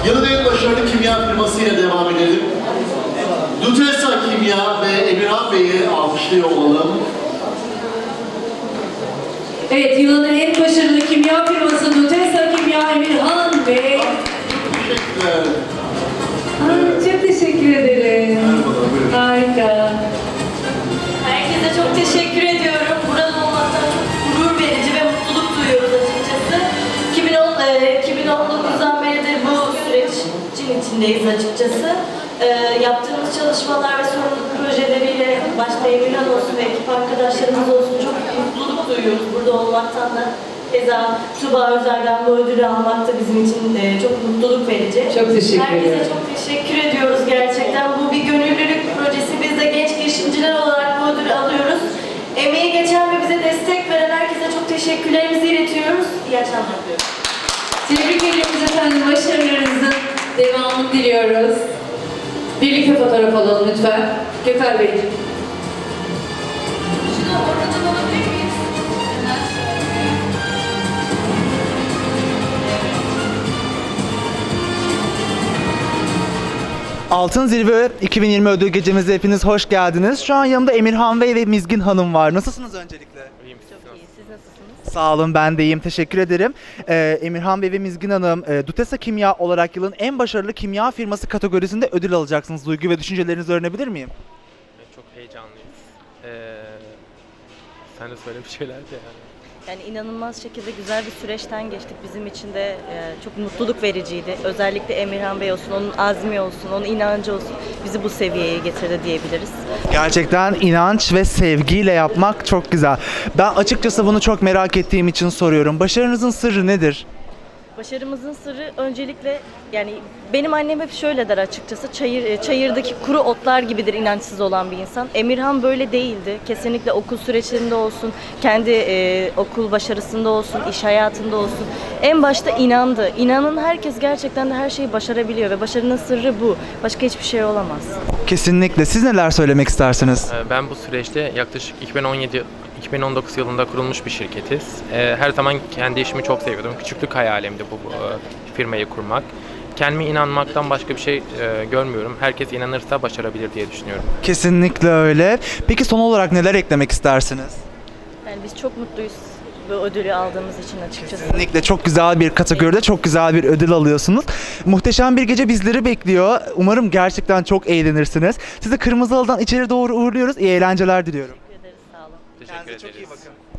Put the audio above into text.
Yılın en başarılı kimya firmasıyla devam edelim. Dutesa Kimya ve Emirhan Bey'i alkışlıyor olalım. Evet, yılın en başarılı kimya firması Dutesa Kimya Emirhan Bey. Teşekkürler. Çok teşekkür ederim. Merhabalar, buyurun. Harika. Herkese çok teşekkür ediyorum. Burada olmaktan çok gurur verici ve mutluluk duyuyoruz açıkçası. 2019'dan beridir bu sürecin içindeyiz açıkçası. Yaptığımız çalışmalar ve sorumluluk projeleriyle başta Emirhan olsun ve ekip arkadaşlarımız olsun çok mutluluk duyuyoruz burada olmaktan da. Keza Tuba Özer'den bu ödülü almak da bizim için çok mutluluk verici. Çok teşekkür Herkese ederim. çok teşekkür ediyoruz gerçekten. Bu bir gönüllülük projesi. Biz de genç girişimciler olarak bu ödülü alıyoruz. Emeği geçen ve bize destek veren herkese çok teşekkürlerimizi iletiyoruz. İyi akşamlar diliyorum. Tebrik ediyoruz efendim. Başarılarınızın devamını diliyoruz. Birlikte fotoğraf alalım lütfen. Gökhan Beyciğim. Şunu oradan alabilir miyiz? Altın Zirve 2020 ödül gecemize hepiniz hoş geldiniz. Şu an yanımda Emirhan Bey ve Mizgin Hanım var. Nasılsınız öncelikle? Çok iyi. Siz nasılsınız? Sağ olun, ben de iyiyim. Teşekkür ederim. Emirhan Bey ve Mizgin Hanım, Dutesa Kimya olarak yılın en başarılı kimya firması kategorisinde ödül alacaksınız. Duygu ve düşüncelerinizi öğrenebilir miyim? Çok heyecanlıyız. Sen de söyle bir şeyler de yani. Yani inanılmaz şekilde güzel bir süreçten geçtik. Bizim için de çok mutluluk vericiydi. Özellikle Emirhan Bey olsun, onun azmi olsun, onun inancı olsun bizi bu seviyeye getirdi diyebiliriz. Gerçekten inanç ve sevgiyle yapmak çok güzel. Ben açıkçası bunu çok merak ettiğim için soruyorum. Başarınızın sırrı nedir? Başarımızın sırrı öncelikle yani benim annem hep şöyle der açıkçası çayırdaki kuru otlar gibidir inançsız olan bir insan. Emirhan böyle değildi. Kesinlikle okul süreçlerinde olsun, kendi okul başarısında olsun, iş hayatında olsun. En başta inandı. İnanan herkes gerçekten de her şeyi başarabiliyor ve başarının sırrı bu. Başka hiçbir şey olamaz. Kesinlikle. Siz neler söylemek istersiniz? Ben bu süreçte yaklaşık 2019 yılında kurulmuş bir şirketiz. Her zaman kendi işimi çok seviyordum. Küçüklük hayalimdi bu firmayı kurmak. Kendime inanmaktan başka bir şey görmüyorum. Herkes inanırsa başarabilir diye düşünüyorum. Kesinlikle öyle. Peki son olarak neler eklemek istersiniz? Yani biz çok mutluyuz bu ödülü aldığımız için açıkçası. Kesinlikle çok güzel bir kategoride çok güzel bir ödül alıyorsunuz. Muhteşem bir gece bizleri bekliyor. Umarım gerçekten çok eğlenirsiniz. Sizi Kırmızı Halı'dan içeri doğru uğurluyoruz. İyi eğlenceler diliyorum. Teşekkür ederiz, sağ olun. Teşekkür ederiz.